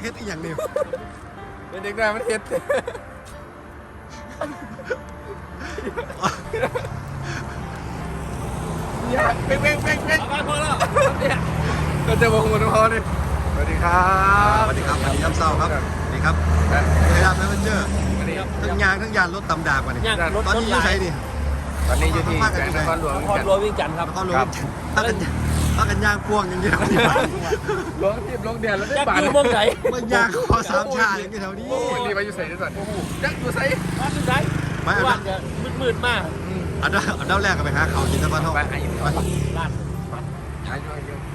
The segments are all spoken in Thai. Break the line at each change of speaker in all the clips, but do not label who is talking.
ฮ็ดอีหยังนี่
เป็นเด็กน้อยมันเฮ็ดเนี่ยเป๊กมาพอแล้วเนี่ยก็จะบอกคนพอเลยสวัสดีครับ
สวัสดีครับวันนี้ย่ำเศร้าครับสวัสดีครับเวลาแมเจอร์ทั้งยางทั้งยานรถตำดาบมาเนี่ยตอนนี้อยู่ใช้ดิ
ตอนนี้อยู่ที่แขวงนครหลวง
นครหลวงวิ่งจันทร์ครับ
นครหลวงถ้ากันยางพ่วงอย่างเงี้ย
ลงทีมลงเดียนแล้วได้
จัก
บาท
อยู่มองไหน
มันยางคอสามชาอย่างเงี้ยแถวนี้
โอ้โหรีบไปอยู่ใส่ด้วยก่อนจักอยู่ใส่
มาสุดท้ายวันจะมืดมาก
อันดับแรกก็ไปหาเขากินตะวันทอง
ไปอายุ
ลาด
อายุ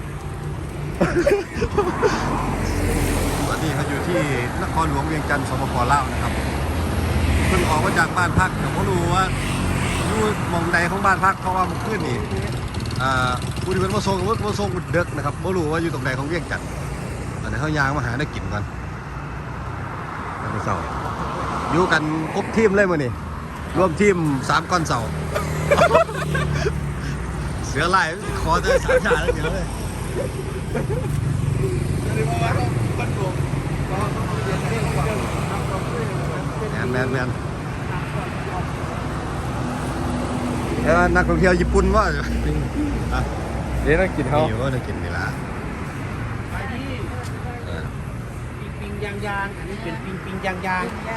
ตอนนี้เขาอยู่ที่นครหลวงเวียงจันทร์สปป.ลาวนะครับเพิ่งออกมาจากบ้านพักแต่เขารู้ว่าอยู่มองใดของบ้านพักเพราะว่ามันขึ้นนี่ผู้ที่เป็นผู้ทรงเด็กนะครับไม่รู้ว่าอยู่ตรงไหนของเวียงจันทร์ตอนนี้เขายางมาหาได้กินกันแล้วก็เสาอยู่กันครบทีมเลยมั้ยนี่รวมทีม3 ก้อนเสา เสือลายคอจะสามชาแล้วเดี๋ยวเลยแมนแล้วนักท่องเที่ยวญี่ปุ่นว่า
เดี๋ยวนักกินเขา
อยู่ก็จะกินนี่ละ
ไปที่ปิงยางอันนี้เป็นปิงยาง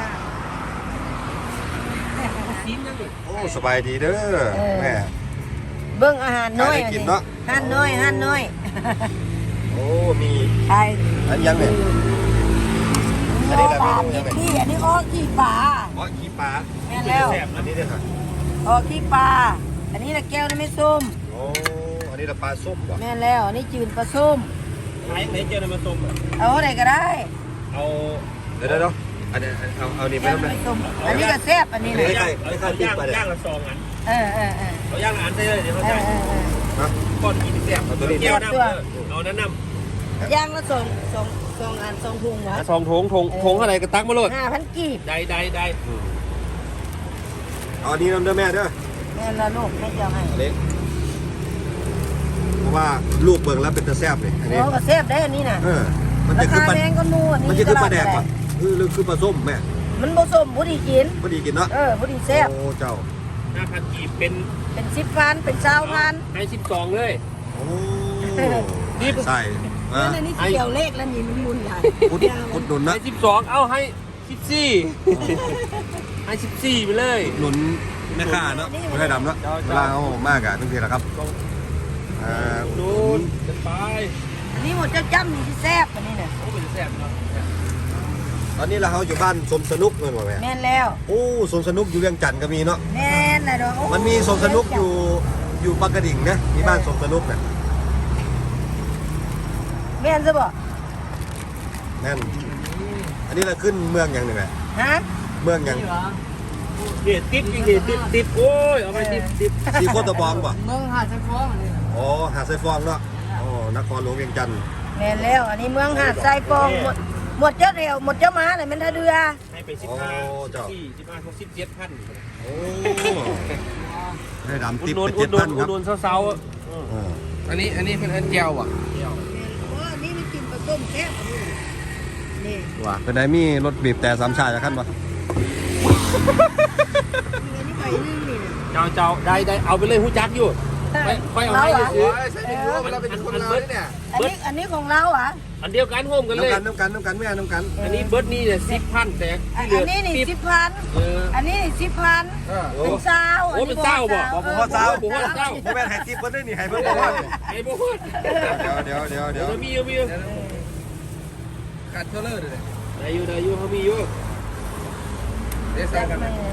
ซีนยังดิ
โอ้สบายดีเด้อแม่
เบิ่งอาหารน้อย
ได้กินเนาะ
อาหารน้อย
โอ้มี
ไอ้
อันยังเนี่ย อันนี้แหละ
ปลา
เมนูยังไง
ขี้อันนี้อ้อขี้ปลา
อ๋อขี้ปลา
แม่นแล้ว
อันนี้ด้วยค่ะ
อ้อขี้ปลาอันนี้ละแก้วนี่ไม่ส้ม
โอ้อันนี้ละปลาส้มว่ะ
แม่นแล้วอันนี้จืดปลาส้ม
ไหนเจอในมาส้ม
เอาอะไรก็ได้
เอา
เดี๋ยวอันนี้เอานี่ไป
แก้ว
ทำไม
ไม่ส้มอันนี้ก็แซ่บอันนี้นะ
ย่างละ2อัน
เออ
เอาย่างละอันได้เลยเดี๋ยวเขา
เอ
จ่าย
นะ
ก้อนกินแซ่บ
เอาตัวนี้
เกี่ยวน้ำเอานั้นน้ำ
ย่างละสองอัน2 ถุงวะ
2 ถุงอะไรก็ตักมาโลด
5,000กีบ
ได้
เอาอันนี้น้ำเด้อแม่เด้อ
แม่นละลูกแม่จะเอาให้
อันนี้เพราะว่าลูกเบิ่งแล้วเป็นตะแซ่บเลยอันนี้
โอ้ก็แซ่บได้อันนี้น่ะ
มัน
รา
จะคือ
คา
ปลา
แพงก็นู่นอันนี้
มันจะคือปลาแดกป่ะหรือคือปลาส้มแม่
มันบ่ส้มบ่ดีกิน
พอดีกินเนาะ
บ่ดีแซ่บ
โอ้เจ้า
5,000กีบเป็น
เป็น10,000เป็น20,000
ให้12เลย
โอ้ใส่
นั่นนี่เกี่ยวเลขแล้วนี่มันมุนใหญ่
อุดหนุนนะ
ให้12เอาให้14ให้14ไปเลย
อุดหนุนแม่ค้าเนาะไม่ได้ดำเนาะเวลาเขามากอะทุกทีแหละครับอุดห
นู
นุ
น
น
จะไป
อันนี้หมดเจ้าจ้ำนี่ที่แซ่บอันนี้น่ะ
โอ้เป็นแซ่บเนาะ
ตอนนี้เราอยู่บ้านสมสนุกเลยว่ะแม่
แม่นแล้ว
โอ้สมสนุกอยู่เวียงจันทร์ก็มีเนาะ
แม่นน่ะดอกโอ้
มันมีสมสนุกอยู่ปากกระดิ่งนะมีบ้านสมสนุกเนี่ย
แม่นซะบ่
นั่นอันนี้เราขึ้นเมืองอย่างหนึ่งแหละ
ฮะ
เมืองอย่าง
เดี๋ยวติ๊บโอ้ยเอาไปติ๊บ
ที่โคตรบองป่ะ
เมืองหาดไซฟองอันนี้
อ๋อหาดไซฟองเนาะอ๋อนครหลวงเวียงจันทร์
แม่นแล้วอันนี้เมืองหาดไซฟองหมดเจ้าเดียวหมดเจ้าม้าน่ะแม่นท่าเรือ
ให้ไป
โอ้เจ้า
15 17,000
โอ้ได้ดำ
อุ
ติ๊
ด
บ
หนุน
ไป
อุดหนุ
7,000
น
ครับ
เซา
อ๋อ
อันนี้เป็นอันเจียวอ่ะ
อันนี้มันกินปลาส้มแซ่บนี่
ว่าเป็นไงมีรถบีบแต่สามชาจะขั้นปะ
อันนี้ไปนึงนี่
เจ้าได้เอาไปเลยหูจักอยู่ค่อยเอาให้ซื้อ
ใช่ไม่รู้ว่าเราเป็นคนเราเนี่ย
อันนี้ของเราอ่ะ
อันเดียวกันโฮมกันเลย
น้ำกันแม่น้ำกัน
อันนี้เบิร์ดนี่เนี่ย10,000แต่
อั
ที่
น
เหลือ
นี้นี่
10
10,000อันนี้นี่10,000เป็นเช้า
โอ้เป็นเจ้าบ่
บอกว่าเจ้า
บอกว่าเจ้า
แม่ให้ติ๊บเพิ่นได้นี่ให้เพิ่นบอกว่า
ไอ้บ่ฮู้
เดี๋ยว
เดี๋ยวมี
กัดเทเลอร์เลย
ได้อยู่เขามีอยู่
เดี๋ยวสั่งกัน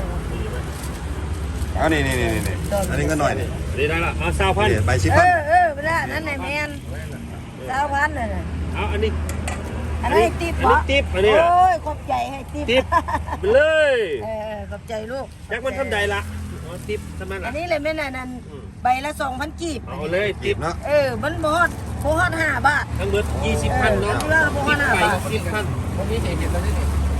เอานี่อันนี้ก็หน่อยนี่
ได้ละเอา20,000
ใบ10,000
เวลานั้นน่ะแม่น20,000น่ะ
เอาอันนี้
อันนี้ติ๊บ
อันนี้ติ๊บอันนี้
โอ้ยขอบใจให้ติ๊บ
ติ๊บไปเลย
ขอบใจลูก
ยักมันทำใดละอ๋อติ๊บทำไม
อั
ล่ะ
นนี้เลยแม่น่ะนั่นใบละ2,000กีบ
เอาเลยติ๊บ
เนาะ
มันบ่ฮอด5 บาท
ทั้งเบิด20,000เนาะ
เออบ่ว่าน่า
ไป
บาท
10,000
วันนี้เห็นตอนนี้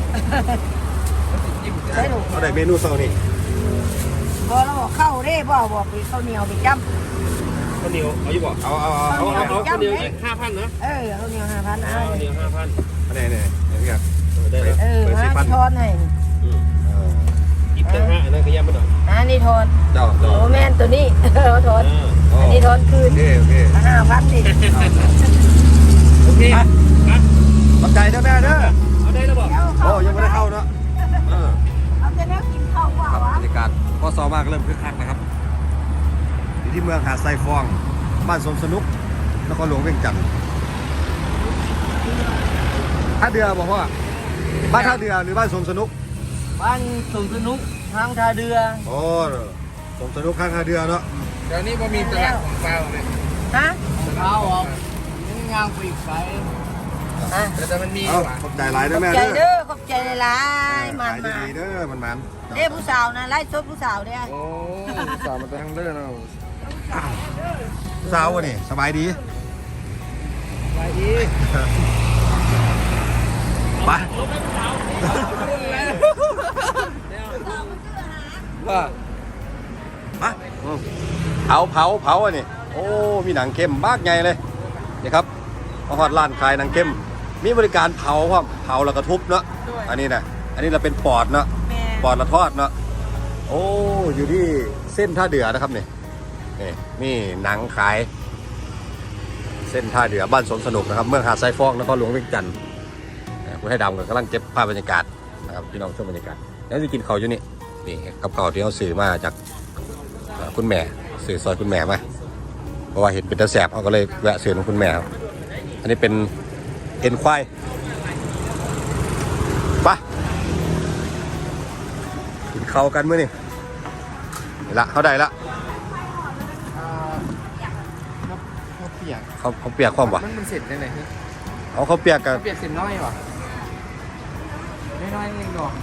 ได้ลูก
เอาได้เมนูเช้านี่
บ่เราบอกเข้าเด้บ่บอกไปข้าวเหนียวไปจ้ำ
ข้าวเหนียวเอาอยู่บ่
เอา
เอาข้าวเหนียวอีก5,000นะ
ข้าวเหนียว5,000เอา
ข้าวเหนียว5,000
อันนี้ครับ
ได้แล้ว
เปิด
มา
สิพัน
ทอนให้
กินแต่ห้าอันนั้นก็ย่ำไม่หน่อย
อันนี้ทอน
เจ้า
โอ้แม่นตัวนี้เอาทอนอันนี้ทอนคืน
โอเคโอเค
5,000ดิ
โอเค
ขอบใจเจ้าแม่เด้อ
เอาได้แล้วบอก
โอ้ยังไม่ได้เข้าเนาะเออ
เอาจะได้กินข้าวว่า
ครับ
วะ
บรรยากาศพอซอมากเริ่มคึกคักนะครับอยู่ที่เมืองหาดไซฟองบ้านสมสนุกนครหลวงเวียงจันทร์ท่าเรือบอกว่าบ้านท่าเรือหรือบ้านสมสนุก
บ้านสงสนุกทางท่าเรือ
โอ้สมสนุกข้างท่าเรือเนาะ
เดี๋ยวนี้พอมีตลาดของเปล่าเลย
ฮะ
ข้าวออกนี่งางไปอีกไกล
อ่ะ
แต่มันมี
เอา
ว่ะ
ขอบใจหลาย
ข
เด้
อ
อบ แม่
ใจ
เด้อ
เด้อขอบใจหลายๆมัน
ขาย
มา
ดีๆเด้อมัน
เด้ผู้สาวนะไล่ซดผู้สาวเด้อ
โอ้สาวมันจะทั้งเด้อเนาะ
สาววะนี่สบายดี
ไปดี
ไป
ว่า
มาเผาอันนี้โอ้มีหนังเข้มมากไงเลยนี่ครับมาฮอดร้านขายหนังเข้มมีบริการเผาพร้อมเผาแล้วก็ทุบเนาะอันนี้นะอันนี้เราเป็นปอดเนาะ
แม่
ปอดละทอดเนาะโอ้อยู่ที่เส้นท่าเดือนะครับนี่นี่หนังขายเส้นท่าเดือบ้านสวนสนุกนะครับเมืองหาดไซฟองนครหลวงเวียงจันทร์คุณให้ดำกำลังเก็บภาพบรรยากาศนะครับพี่น้องชมบรรยากาศแล้วจะกินข้าวอยู่นี่กับข้าวที่เขาสื่อมาจากคุณแม่สื่อซอยคุณแม่มาเพราะว่าเห็นเป็นตะแสบเขาก็เลยแวะซื้อของคุณแม่ครับอันนี้เป็นเอ็นควายไปกินข้าวกันมื้อนี่ละเขาได้ละ
เขาเปียก
เขาเปียกความวะ
มันเสร็จได้ไหนคือ
เขาเปียกกัน
เขาเปียกเสร็จน้อยว่ะน้อยเองดอก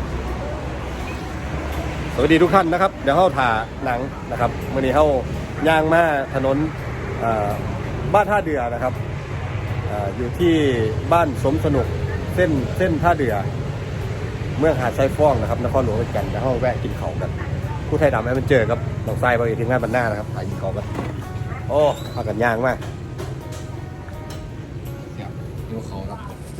สวัสดีทุกท่านนะครับเดี๋ยวเขาถ่าหนังนะครับวันนี้เขาย่างมาถนนบ้านท่าเดือนะครับอยู่ที่บ้านสมสนุกเส้นท่าเดือเมืองหาดไซฟองนะครับนครหลวงเวียงจันทร์เดี๋ยวเขาแวะกินเขาวกันผู้ไทยดำให้มันเจอกับหนองทรายบางทีทีมงานบรรณานะครับไปกินเขาวกันโอ้พากันย่างมาก
ดูเขาครับ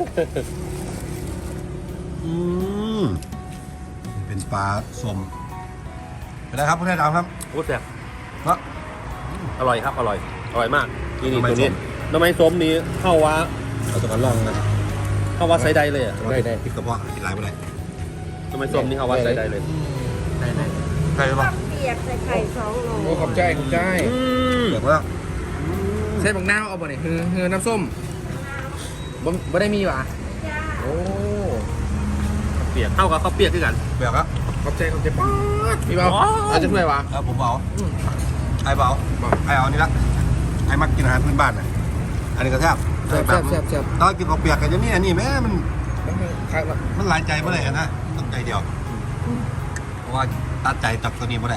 เป็นปลาสมเป็นไรครับผู้ไทยดำครับ
โอ้แซ่บ
เนาะ
อร่อยครับอร่อยมากนี่
ทำไม
ตัวนี้
ส้ม
น้ำไม้ส้มนี้เข้าว่า
เราจะมาลองนะ
เข้าว่าไซได้เลยอ่ะ
ได้พริกกระเพาะกินหลายไปเลย
น้ำไม้ส้มนี่เข้าว่าไซได้เลย
ใครบ้าง
เปียกใส่ไข่2โล
โอ้ขอบใจเ
เปียกแล้ว
เส้นบักน้าวเอาบ่เนี่ยคือน้ำส้มบ่ได้มีว่ะโอ้เปียกเข้ากับข้าวเปียกคือกัน
เปียกแล้ว
ขอบใจป๊าดมีเปล่าอาจจะช่วยวะ
แล้วผมเอาไอ้เบาไอ้เอานี่ละไอ้มักกินอาหารพื้นบ้านน่ะอันนี้ก็แซ่บตอนกินข้าวเปียกกันจะมีอันนี้แม่มันมันหลายใจเมื่อไหร่นะต้องใจเดียวเพราะว่าตัดใจตับตัวนี้เมื่อไหร่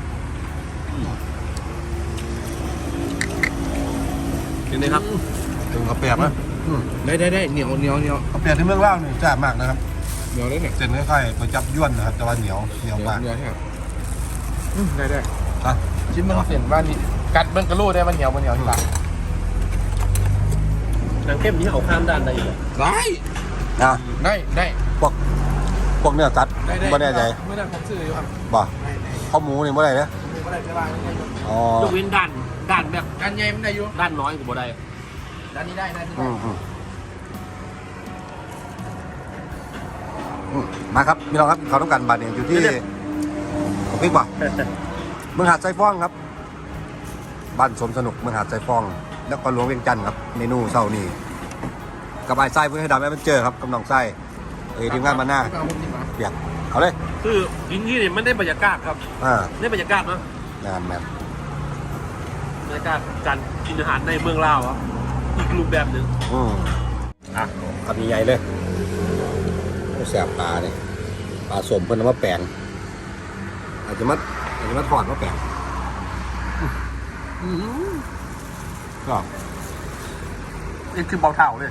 นี่ครับ
ถึงข้าวเปียกนะ
ได้เหนียว
ข้าวเปียกที่เมืองเล่าวนี่แซ่บมากนะครับ
เหนียวได้เนี่ย
เส้นคล้ายๆก๋วยจับยวนนะครับแต่ว่าเหนียวมาก
เหนียวใช่ได้
อ่ะ
ชิ้นมันเส้นบ้านนี้กัดเบิ้งกระโลได้มันเหนียวที่ปากหนังเข้มนี้เอาข้ามด้านได้ได้
อ่ะ
ได้
พวกเนื้อสัตว์ไม่แน่ใจ
ไม่ได้ผมซื้ออยู่ครับ
บ่ข้าวหมูนี่เมื่อไหร่เนี่ย
ไม่ได้จะวางไม่ได้
อ๋อย
กเว้นด้านแบบ
การใหญ่มันได้อยู่
ด้านน้อยกูบ่ได้
ด้านนี้ได้
มาครับมีเราครับเขาต้องการบัตรเนี่ยอยู่ที่ผมพิกว่าเมืองหาดไซฟองครับบ้านสมสนุกเมืองหาดไซฟองแล้วก็หลวงเวียงจันทร์ครับเมนูเช้านี้กับไอ้ไส้เพื่อให้ดำแอดเวนเจอร์ครับกำลังไส้ทีมงานมาหน้าเปียกเอาเลย
คือกินที่นี่มันได้บรรยากาศครับ ได้บรรยากาศเนาะ
งานแมน
บรรยากาศการกินอาหารในเมืองลาวครับอีกรูปแบบหนึ่ง
อ่ะคำใหญ่เลยแสบปลาเนี่ยปลาสมเพิ่นเอามาแปลงอาจจะมาถอดมาแปลงก็
นี่คือเบาเท่าเลย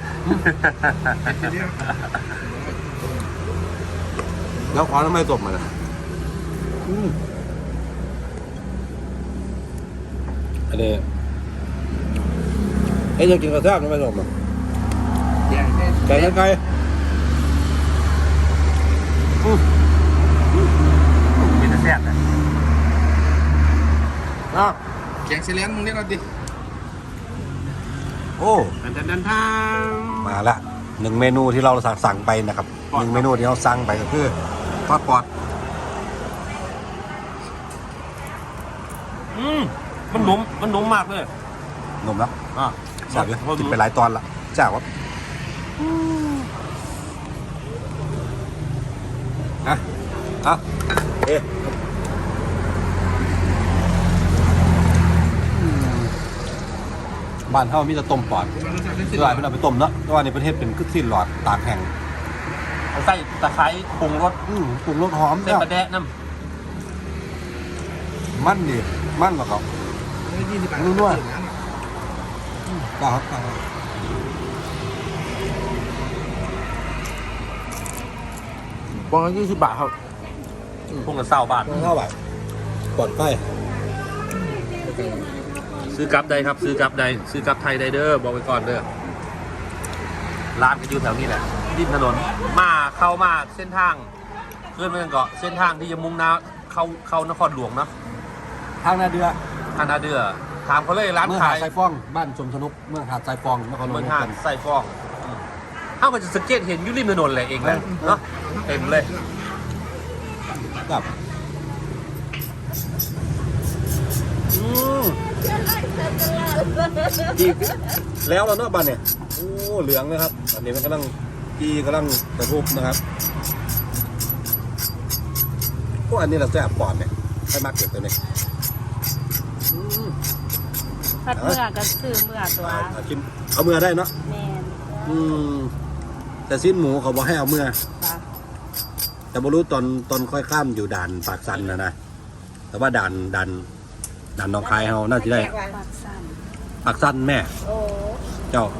แล้วขอทำไมสมมันอันนี้จะกินกระแทกทำไมสมอ่ะไก่ไก่
กซีแลนด์มึงเรียกเราดิ
โอ้
ดันทาง
มาละ1เมนูที่เราสั่งไปนะครับ1เมนูที่เราสั่งไปก็คือทอดปอด
มันนุ่มมากเลย
นมแล้ว
อ่ะ
แซ่บอยู่กินไปหลายตอนละแซ่บวะอ่ะเอ๊ะบ้านเฮามีแต่ต้มปอดส่วนใหญ่เป็นเอาไปต้มเนาะแต่ว่าในประเทศเป็นคือสิ้นหลอดตากแห้ง
เอาใส่ตะไคร้ปรุงรส
ปรุงรสหอม
เส้น
แซ่บ
ปลาแดะน้
มันดิมันกว่าเขา
20 บาท
นุ่มด้วย ครับ
บอง20 บาทครับ
ำปรุงละ20 บาท
เท่าไหร่ก่อนไป
ซื้อกลับใดครับซื้อกลับใดซื้อกลับไทยใดเด้อบอกไว้ก่อนเด้อร้านก็อยู่แถวนี้แหละริมถนนเข้ามาเส้นทางเคลื่อนไปกันเกาะเส้นทางที่จะมุ่งหน้าเข้านครหลวงเนาะ
ทางนาเดือ
ทางนาเดือถามเขาเลยร้าน
เมืองหา
ขา
ด
ย
ทรายฟ้องบ้านชมสนุกเมืองหาดทรายฟ้องนครหลวง
เมืองหาดใส่ฟองเอ้ามันจะสังเกตเห็นอยู่ริมถนนเลยเองแหละเนาะเต็มเลย
ครับอีกแล้วเราเนาะบ้านเนี่ยโอ้เหลืองนะครับอันนี้มันกำลังกระทุบนะครับพวกอันนี้เราแซ่บปอดเนี่ยให้มากเก็บตัวนี้
ผัดเมื่อก็ซื้อเมื่อตัว
ชิมเอาเมื่อได้เนาะ
แม่น
แต่สิ้นหมูเขาบอกให้เอาเมื่อ
ค่ะ
แต่ไม่รู้ตอนค่อยข้ามอยู่ด่านปากสันนะแต่ว่าด่านหนองคายเขาน่าจะได้
ปากสั่น
ปากสันแม่
โอ้
เจ้า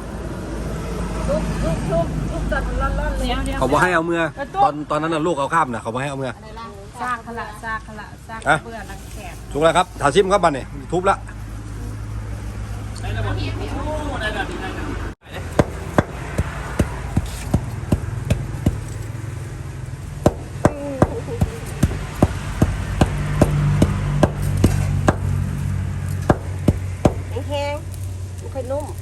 ลูกตัดร้อนๆเลย
เขาบอกให้เอาเมื่อตอนนั้นน่ะลูกเอาข้ามนะเขาบอกให้เอาเมื่อ
สร้างขละสร้างขละสร้าง
อะ
เบื่อนักแขก
ถูกแล้วครับถาชิมครับบันเนี่ยทุบละ
แห้งๆไม่ค่อยนุ่ม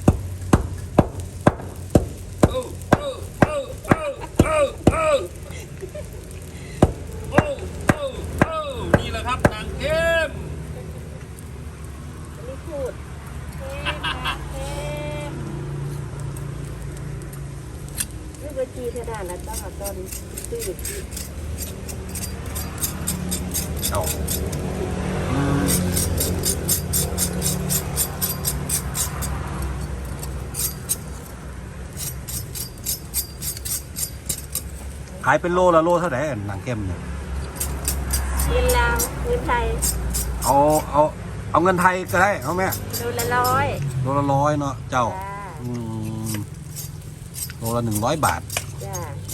นี่แหละครับนางเข้ม
อันนี้พูดนี่บัญชีเท่านั้นนะต้องเอาตอนซื้ออยู่ที่
เอาขายเป็นโลละโลเท่าไหร่หนังเข้มเนี่ย
เงินลาวเงินไทย
เอาเงินไทยก็ได้เอาแม่
โลละ100
โลละ100เนาะเจ้า
จ้า
โลละ100 บาท
จ้า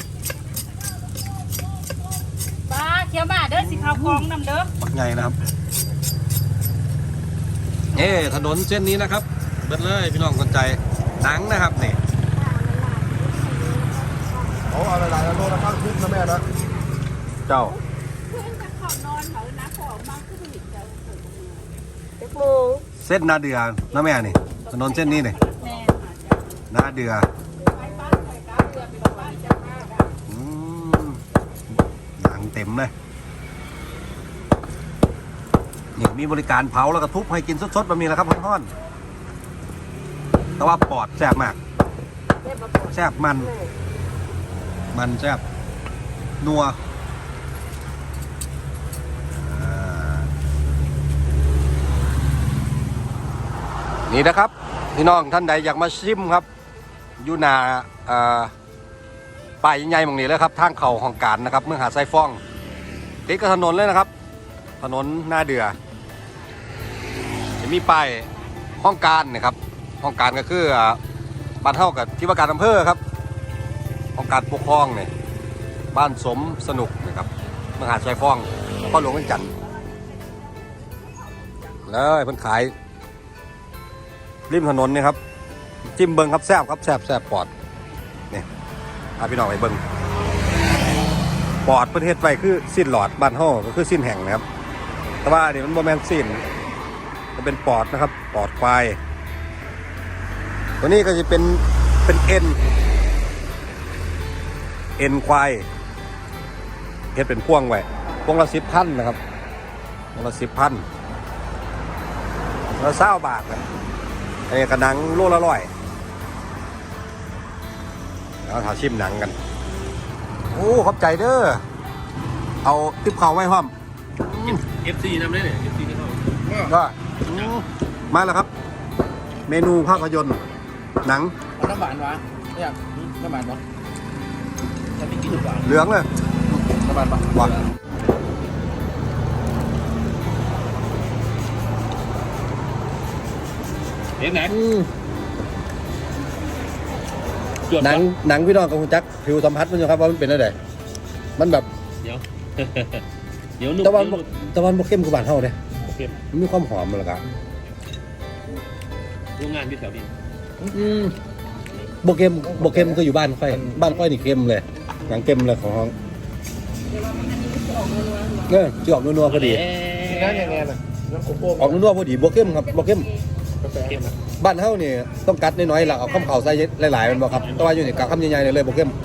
ป้าเขียวบาทเด้อสิข้าวกองนำเด้อ
ปักใหญ่นะครับถนนเส้นนี้นะครับเบิดเลยพี่น้องคนใจหนังนะครับนี่เอาหลายๆโลละข้างทุบนะแม่นะเจ้า
เพื่อนจะขอนอนเขานะขอมาขึ้นอีกเจ้า
เด็กโมง
เส้นนาเดือนะแม่นี่ถนนเส้นนี้นี่
แม่
นาเดือหนังเต็มเลยนี่มีบริการเผาแล้วก็ทุบให้กินสดๆแบบนี้แหละครับท่อนๆแต่ว่าปอดแซ่บมาก
ได้ประกอบ
แซ่บมันแซ่บนัวนี่นะครับพี่น้องท่านใดอยากมาชิมครับอยู่หน้าป้ายใหญ่ๆตรงนี้เลยครับทางเข้าของการนะครับเมืองหาดทรายฟ้องติดกับถนนเลยนะครับถนนหน้าเดือจะมีป้ายห้องการนะครับห้องการก็คือบ้านเท่ากับที่ว่าการอำเภอครับของการปกครองเนี่ยบ้านสมสนุกนะครับเมืองหาดทรายฟ้องพ่อหลวงเวียงจันทร์เลยเพิ่นขายริมถนนนี่ครับจิ้มเบิงครับแซ่บครับแซ่บปอดนี่พาพี่น้องไปเบิงปอดประเทศไปคือสิ้นหลอดบ้านเฮาก็คือสิ้นแห่งนะครับแต่ว่านี่มันโมเมนต์สิ้นจะเป็นปอดนะครับปอดควายตัวนี้ก็จะเป็นเอ็นควายเฮ็ดเป็นพ่วงไว้พวงละ10,000นะครับพวงละ10,000แล้ว20 บาทนะไอ้กระหนังโลละ100แล้วถาชิมหนังกันโอ้ขอบใจเด้อเอาติ๊บเขาไว้พร้อม
FC นำได้เนี่ย FC นี่เขา
ก็มาแล้วครับ เมนูภาพยนตร์หนัง
เอาน้ำหวานวะไม่อยากน้ำหวานวะจะไม่กินน้ำหวาน
เหลืองเลย
น้ำหวานปะ
ว่ะ
เห็นไหน
หนังพี่น้องกับคุณจักผิวสัมผัสมันอยู่ครับว่ามันเป็นอะไรมันแบบ
เดี๋ยว เดี๋ยวนุ่ม
ตะวันบกเข้มคือบานเท่าเนี่ย
โอเค
มันมีความหอมมันละกัน
โรงงานที่แถวนี้
บกเข้มก็อยู่บ้านค่อยนี่เข้มเลยหนังเข้มเลยของห้องที่ออกนัวๆพอดี
นั่นยังไงล่ะน้ำโคโค่
ออกนัวๆพอดีบกเข้มครับบกเข้ม
เข้มนะ
บ้านเฮานี่ต้องกัดน้อยๆแล้วเอาข้าวเข่าใส่หลายๆมันบอกครับแต่ว่าอยู่นี่กัดคำใหญ่ๆเลยบกเข้ม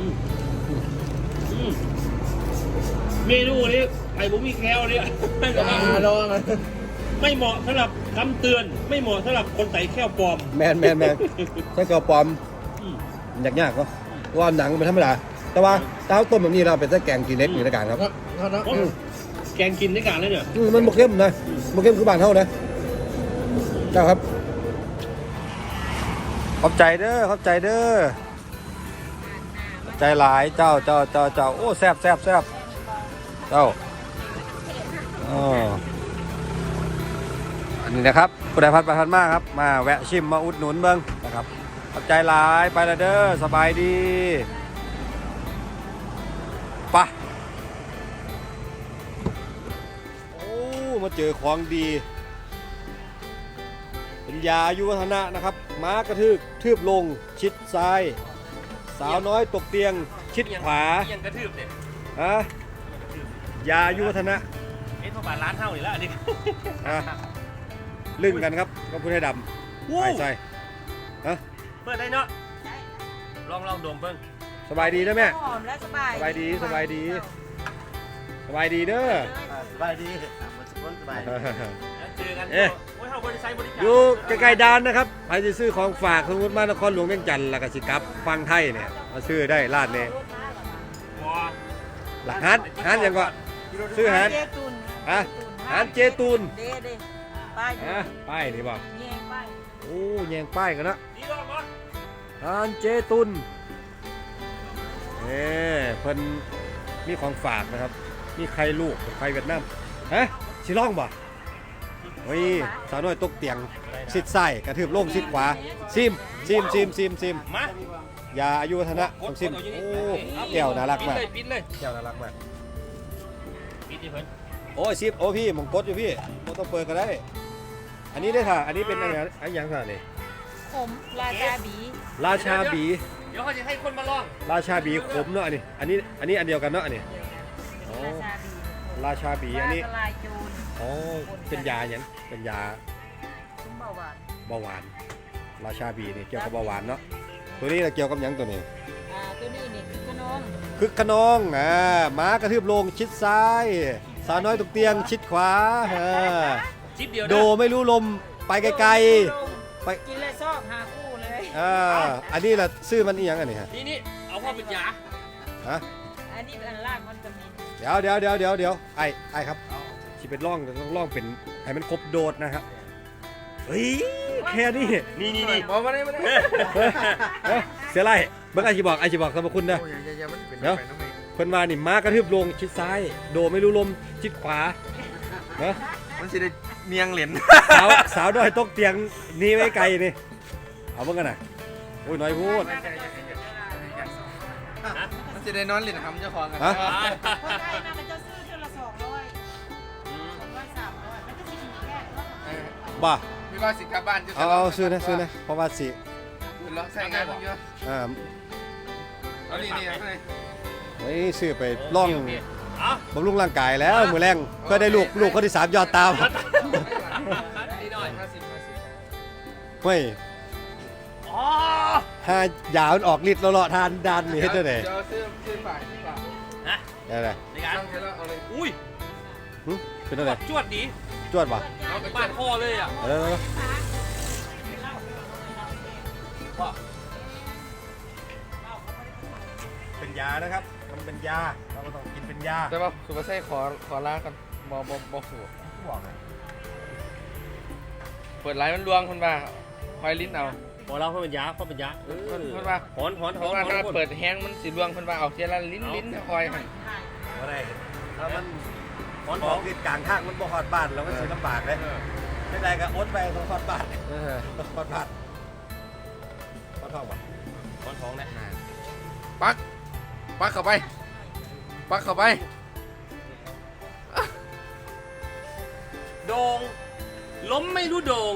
เมนูนี้ไข่บุ้มีแคลเนี่ยไม่เหมาะ
ลองนะ
ไม่เหมาะสำหรับคำเตือนไม่เหมาะสำหรับคนใส่แค่ปลอม
แมนใส่กระปอมยากๆเนาะว่าหนังเป็นธรรมดาแต่ว่าเต้าต้มแบบนี้เราเป็นไส้แกงกินเล็กอยู่ในการครับ
แกงกินได้การเลยเนี่ย
มันบกเข้มนะบกเข้มคือบ้านเฮานะเจ้าครับขอบใจเด้อขอบใจเด้อขอบใจหลายเจ้าโอ้แซ่บเจ้าอันนี้นะครับผู้ใดพัดไปพัดมาครับมาแวะชิมมาอุดหนุนเบิ้งนะครับขอบใจหลายไปละเด้อสบายดีไปโอ้มาเจอของดีเป็นยาอายุวัฒนะนะครับม้ากระทืบลงชิดซ้ายสาวน้อยตกเตียงชิดขวา
ยังกระทืบเนี่ย
ฮะยาอายุวัฒนะ
พอบาทร้านเท่านี่แล้วอันนี้
ลึ่งกันครับก็พูดให้ดำไปใส่ฮะ
เปิดได้เนาะลองดมเบิ้ง
สบายดีนะแม่
หอมและสบาย
สบายดีเด้อสบายดีสบาย
เจอกัน
เอ๊ะ
โอ้ยเฮาบริษัทบริการ
อยู่ใกล้ๆด่านนะครับใครจะซื้อของฝากสมมติมานครหลวงเวียงจันทร์แล้วก็สิกลับฟังไทยเนี่ยมาซื้อได้ร้านเนี่ย
บัว
หลักฮันอย่างก็ซื้อฮัน
เจตุน
ฮะฮันเจตูน
เด้ป้ายอยู่
ฮะป้ายนี่บ่
นี่เองป้าย
โอ้แยงป้ายกันนะ
นี่ลองก่อน
ฮันเจตุนเพิ่นมีของฝากนะครับมีไข่ลูกไข่เวียดนามฮะสิลองบ่โอ้ยสาวน้อยตกเตียงซิดไส้กระทืบโล่งซิดขวาซิม
มา
ยาอายุวัฒนะต้องซิมโอ้แก้วน่ารักมาก
ปิดเลย
แก้วน่ารักมาก
ปิดดิเพิ่น
โอ้ยซิมโอ้พี่มงกดอยู่พี่บ่ต้องเปิดก็ได้ อันนี้ได้ค่ะอันนี้เป็นอะไรอันยังค่ะนี่
ผมราชาบี
ราชาบี
เดี๋ยวเขาจะให้คนมาลอง
ราชาบีขมเนาะอันนี้อันเดียวกันเนาะอันนี้อ๋อ
ราชาบี
ราชาบีอันนี้
ฟ้าทลายโจร
อ๋อเป็นยาอย่างเป็นยา
คุมเบาหวาน
เบาหวานราชาบีนี่เกี่ยวกับเบาหวานเนาะตัวนี้เกี่ยวกับหยังตัวนี้
ตัวนี้นี่คือขนม
คึกขนองม้ากระทืบลงชิดซ้ายสาวน้อยตกเตียงชิดขวา
จิ๊บเดียว
โดไม่รู้ลมไปไกลๆไป
กินเลยซอกหาคู่เลย
อันนี้ล่ะซื้อมันอีหยังอันนี้ฮะ
นี่เอาพ่อเป็นยา
ฮะ
อันนี้เป็นอันล่างมันจะมี
เดี๋ยวไอ้ครับที่เป็นร่องต้องร่องเป็นให้มันครบโดดนะครับเฮ้ยแค่นี้
นี่
บอกมาได้
เสียไรเบิ่งไอ้ชิบอกสรรพคุณนะ เดี๋ยว เพิ่นว่านี่ม้ากระทืบลงชิดซ้ายโดไม่รู้ลมชิดขวาเนาะ
มันสิได้เมียงเหรียญ
สาวน้อยตกเตียงหนี่ไว้ไกลนี่เอาเบิ่งกันน่ะโอ้ยน้อยพูด
มันสิได้นอนเหรียญทำเจ้าของกัน
ฮะ
พอได้นะมันจะซื้อเท่าละ200 300มันก็สิมีแค่
บ้า
พี่ว่าสิกลับบ้านจะ
เอาซื้อนะเพราะว่าสิ
ลองใส่งานเยอะ เอานี่
ไว้ซื้อไปล่อง
เอา
บำรุงร่างกายแล้วมือแรงเพื่อได้ลูกคนที่3ยอดตาม
ด
เฮ้ย
อ๋อ
ถ้ายาวมันออกฤทธิ์แล้วเลาะทานดันนี่เฮ็ดจังได๋
เดี๋ยวซื้อฝาก
ฮะ
ได้เลย
ในการ
ตั้งใจแล้วเอาเลย
อุ้ย
เป็นจังได๋
จวดดี
จวดป่ะ
เอาไปบ้านพ่อเลยอ่ะ
เออเป็นยานะครับมันเป็นยาเราก็ต้องกินเป็นยา
แต่ว่าสุภาพขอลากันบ่สู
บอกเลย
เปิดไลน์มันลวงคนว่าหอยลิ้นเอา
พอเราเขาเป็นยาเขาเป็นยา
เพิ่นว่า
หอนหอน
เพ
หอ
ราะ
น
ว่า
ห
ถ้า
อน
เปิดแห้งมันสิลวงคนว่าเอาเทียละลิ้นคอยให้
บ่ได้ถ้ามัน
หอน
ข
ห
อ
อง น
ติดกลางทางมันบ่ฮอดบ้านเราก็สิลำบากเลยไม่ได้ก็อดไปต้องฮอดบ้าน
เออ
ต้องฮอดบ้านฮอดท้องป่ะ
หอนหองนะ
ปักเข้าไปปักเข้าไป
โดงล้มไม่รู้โดง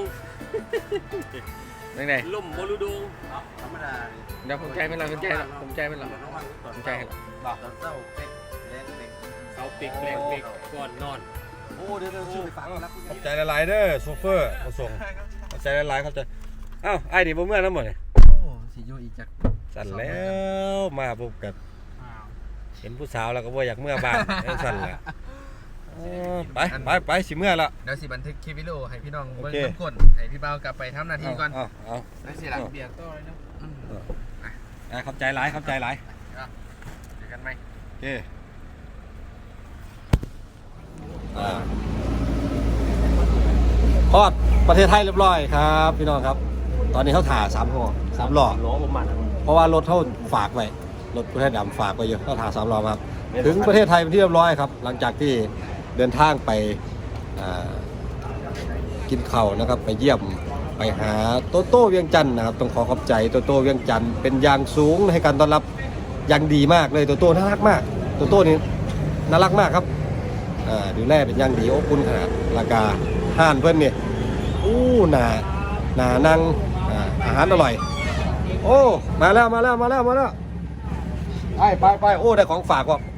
ไหน
ล้มบ่รู้โดง
ธรรมดา
ๆเดี๋ยวผมใจไม่หลับผมใจให้หลับผมใจให้หลับ
บอกตอนเช้าเป็ดแรงเป็ด
เสาปิกแรงปิกก่อนนอน
โอ้เดี๋ยวชื่อไปฟังแล้วขอบใจหลายๆเด้อโซเฟอร์มาส่งขอบใจหลายๆขอบใจอ้าวไอ้นี่บ่เมื่อน้ำหมดเลย
โอ้สิอยู่อีกจัก
สั่นแล้วมาพบกันเห็นผู้สาวแล้วก็บ่อยากเมื่อบ้านสั่นแหละไปสิเมื่อละ
เดี๋ยวสิบันทึกคลิปวิดีโอให้พี่น้องเบิ่ง
โอเค
ทุกคนให้พี่เบากลับไปทำหน้าที่ก่อน
เอา
ได้สิล่ะเบียร์ต่อเลยเนาะ
ขอบใจหลายขอบใจหลาย
เจอกันไหม
โอเคทอดประเทศไทยเรียบร้อยครับพี่น้องครับ ตอนนี้เขาถ่า3 ห่อ 3 หลอด
ล้อประมาณ
เพราะว่ารถเขาฝากไว้รถประเทศดำฝากไว้เยอะเขาถ่า3 หลอดครับ ถึงประเทศไทยเป็นที่เรียบร้อยครับ หลังจากที่เดินทางไปกินข้าวนะครับ ไปเยี่ยมไปหาโตโต้เวียงจันทร์นะครับต้องขอขอบใจโตโต้เวียงจันทร์เป็นอย่างสูงให้การต้อนรับอย่างดีมากเลยโตโต้น่ารักมากโตโต้นี่น่ารักมากครับดูแลเป็นอย่างดีอบอุ่นขนาดราคาห้านเพื่อนเนี่ยหนานั่งอาหารอร่อยโอ้มาแล้วไปโอ้ได้ของฝากว่ะ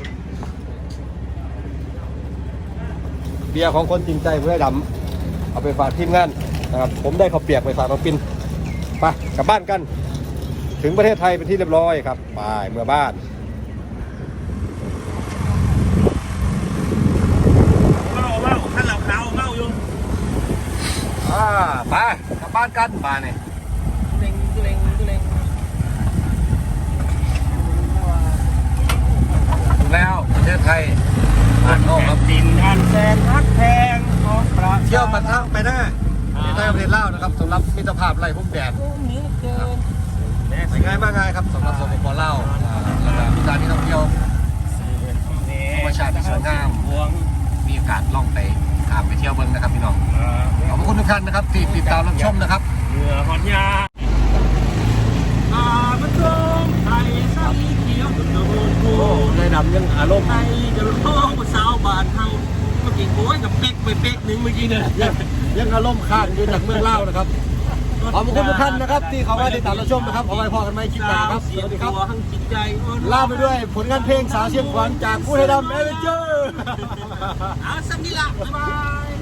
เบียร์ของคนจริงใจผู้ได้ดำเอาไปฝากทีมงานนะครับผมได้ข้าวเปียกไปฝากน้องปินไปกลับบ้านกันถึงประเทศไทยเป็นที่เรียบร้อยครับไปเมื่อบ้าน
เมาท่านเหล่าขาวเมาอยู่
ไปกลับบ้านกันบ้านนี่
เล็ง
ถึงแล้วประเทศไทยบ้านนอกครับ
ดินท่านแสนฮักแพงของประ
เที่ยวมันทั้งไปหน้าประเทศไทยประเทศลาวนะครับสำหรับมิตรภาพไร่พุ่มแดดสวยงามมากเลยครับสำหรับสปปลาวแล้วก็มีสถานที่ท่องเที่ยวธรรมชาติที่สวยงามมีโอกาสล่องไปข้ามไปเที่ยวเบิ้งนะครับพี่น้องขอบคุณทุกท่านนะครับที่ติดตามรับชมนะครับ
เหนือหอนยามันตรงไทยสังเขียวตุ่นโดนกู
ได้ดำยังอารมณ์
ไทยจะร้องภาษาบ้านเฮาเมื่อกี้โอ้ยกับเป๊กไปเป๊กหนึ่งเมื่อกี้เนี่ย
ยังอารมณ์ค้างอยู่จากเมืองลาวนะครับขอบคุณทุกท่านนะครับที่เขามาติดตามรับชมนะครับเอาไว้พอกันไหมคลิปหน้าครับสวัสดีครับ
ทั้งจิตใจ
ลาไปด้วยผลงานเพลงสาวเชียงขวัญจากผู้ให้ดำเอเวนเจอร์
เอาสักนิดละบ๊ายบาย